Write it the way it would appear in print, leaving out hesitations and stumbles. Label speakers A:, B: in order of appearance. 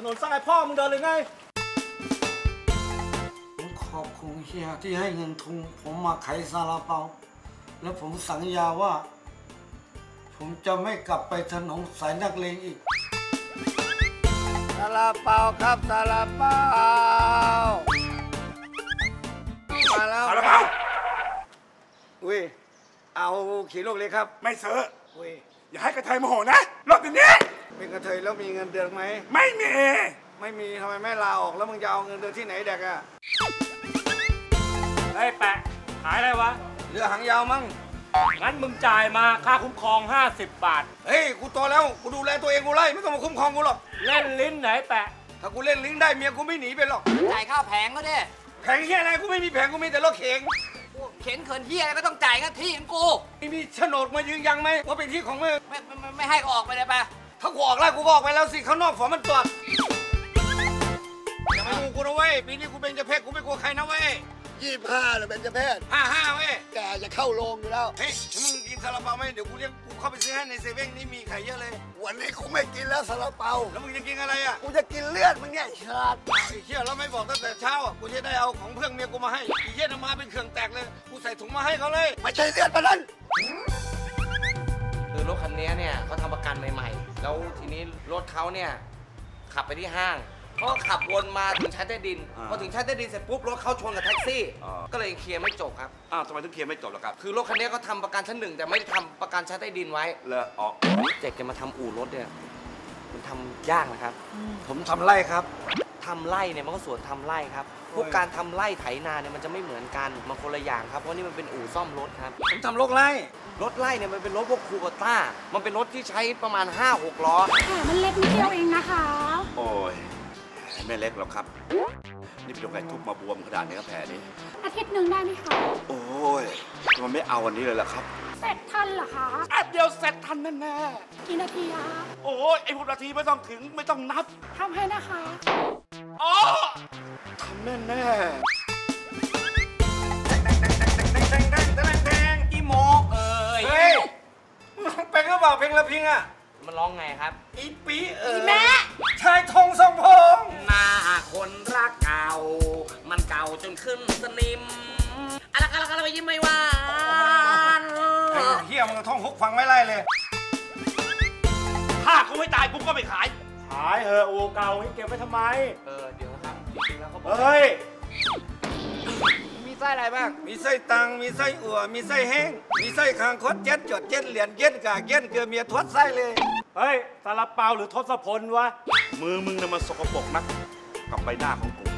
A: นสร้างไอ้พ่อมึงเดินเลยไง
B: ผมขอบคุณเฮียที่ให้เงินทุนผมมาขายซาลาเปาแล้วผมสัญญาว่าผมจะไม่กลับไปถนนสายนักเลงอีกซาลาเปาครับซาลาเปามาแล้ว
C: ซาลาเปา
B: อุ้ยเอาขี่ลูกเลยครับ
C: ไม่ซื้อ
B: อุ้ย
C: อย่าให้กระเทยโมโหนะรถเดี๋ยวนี้
B: เป็นกระเทยแล้วมีเงินเดือนไหม
C: ไม่มี
B: ทำไมไม่ลาออกแล้วมึงจะเอาเงินเดือนที่ไหนเด็กอะ
A: ไอ้แปะขายอะไรวะ
B: เรือหางยาวมั้ง
A: งั้นมึงจ่ายมาค่าคุ้มครอง50 บาท
B: เฮ้ยกูโตแล้วกูดูแลตัวเองกูไล่ไม่ต้องมาคุ้มครองกูหรอก
A: เล่นลิ้นไหนแปะ
B: ถ้ากูเล่นลิ้นได้เมียกูไม่หนีไปหรอก
D: จ่ายค่าแผงก็ได้
B: แผงเฮียอะไรกูไม่มีแผงกูมีแต่รถเข็น
D: เข็นเขินเฮียอะไรก็ต้องจ่ายก็ที่ของกู
B: มีโฉนดมายืนยันไหมว่าเป็นที่ของมึง
D: ไม่ให้ก็ออกไปเลยไป
B: ถ้ากูออกแล้วกูออกไปแล้วสิข้างนอกฝนมันตรวจอย่ามาดูกูนะเว้ยปีนี้กูเป็นเจ้าเพศกูไม่กลัวใครนะเว้ย
E: 25เลยเป็นเจ้าเพศ
B: 55เว้ย
E: แกจะเข้าโรงอยู่แล้ว
B: เฮ้ยมึงกินซาลาเปาไหมเดี๋ยวกูเรียกกูเข้าไปซื้อให้ในเซเว่นนี่มีไข่เยอะเลย
E: วันนี้กูไม่กินแล้วซาลาเปา
B: แล้วมึงจะกินอะไรอ่ะ
E: กูจะกินเลือดมึงเนี่ยฉลาด
B: ไอ้เชี่ยแล้วไม่บอกตั้งแต่เช้ากูจะได้เอาของเพื่อนเมียกูมาให้ไอ้เชี่ยนำมาเป็นเครื่องแตกเลยกูใส่ถุงมาให้เขาเลย
E: ไม่ใช่เลือดมันนั่น
D: คือรถคันนี้เนี่ยเขาทำประกันใหม่ๆแล้วทีนี้รถเขาเนี่ยขับไปที่ห้างเขาขับวนมาถึงชั้นใต้ดินพอถึงชั้นใต้ดินเสร็จปุ๊บรถเขาชนกับแท็กซี่ก็เลยเคลียร์ไม่จบครับ
C: ทำไมถึงเคลียร์ไม่จบล่ะครับ
D: คือรถคันนี้เขาทำประกันชั้น 1แต่ไม่ทำประกันชั้นใต้ดินไว้
C: เลย
D: เจ๊กจะมาทำอู่รถเนี่ยมันทำยากนะครับ
B: ผมทำไร่ครับ
D: ทำไร่เนี่ยมันก็ส่วนทำไร่ครับพวกการทำไร่ไถนาเนี่ยมันจะไม่เหมือนกันมันคนละอย่างครับเพราะนี่มันเป็นอู่ซ่อมรถครับ
B: ผมทำรถไร่
D: เนี่ยมันเป็นรถพวกคูโบต้ามันเป็นรถที่ใช้ประมาณ 5-6 ล้อ
F: มันเล็กนิดเดียวเองนะคะ
C: โอ้ยไม่เล็กหรอกครับนี่เป็นโรคไก่ทุบมาบวมขนาดนี้ครับแผลนี้
F: อาทิตย์หนึ่งได้ไหมคะ
C: โอ้ยมันไม่เอาวันนี้เลยล่ะครับ
F: เสร็จทันเหรอคะ
C: แป๊บเดียวเสร็จทันแน่
F: กี่นาทีคะ
C: โอ้ยไอ้พวกนาทีไม่ต้องถึงไม่ต้องนับ
F: ทำให้นะคะ
C: อ๋อทำแน่
D: อีโมเอ้ย
B: เฮ้ยเป็นก็บอกเพลงละพิงอ่ะ
D: มันร้องไงครับ
B: อีปี
F: แม่
B: ชายทงทรงพง
D: หน้าคนรักเก่ามันเก่าจนขึ้นสนิมอะไรไปยิ้มไม่หวาน
B: เฮียมึงท่องฮุกฟังไม่ไล่เลย
C: ถ้ากูไม่ตายกูก็ไม่ขาย
A: เออโอเก่านี่เก็บไว้ทำไม
D: เดี๋ยวนะครับจริงๆแล้วเขาบอก
A: เฮ้ย
D: มีไส้อะไรบ้าง
B: มีไส้ตังมีไส้อั่วมีไส้แห้งมีไส้คางคดเจ็ดจดเจ็ดเหรียญเย็ดกากเย็ดเกลือเมียทวดไส้เลย
A: เฮ้ยซาลาเปาหรือทศพลวะ
C: มือมึงน่ะมันสกปรกนักกับใบหน้าของกู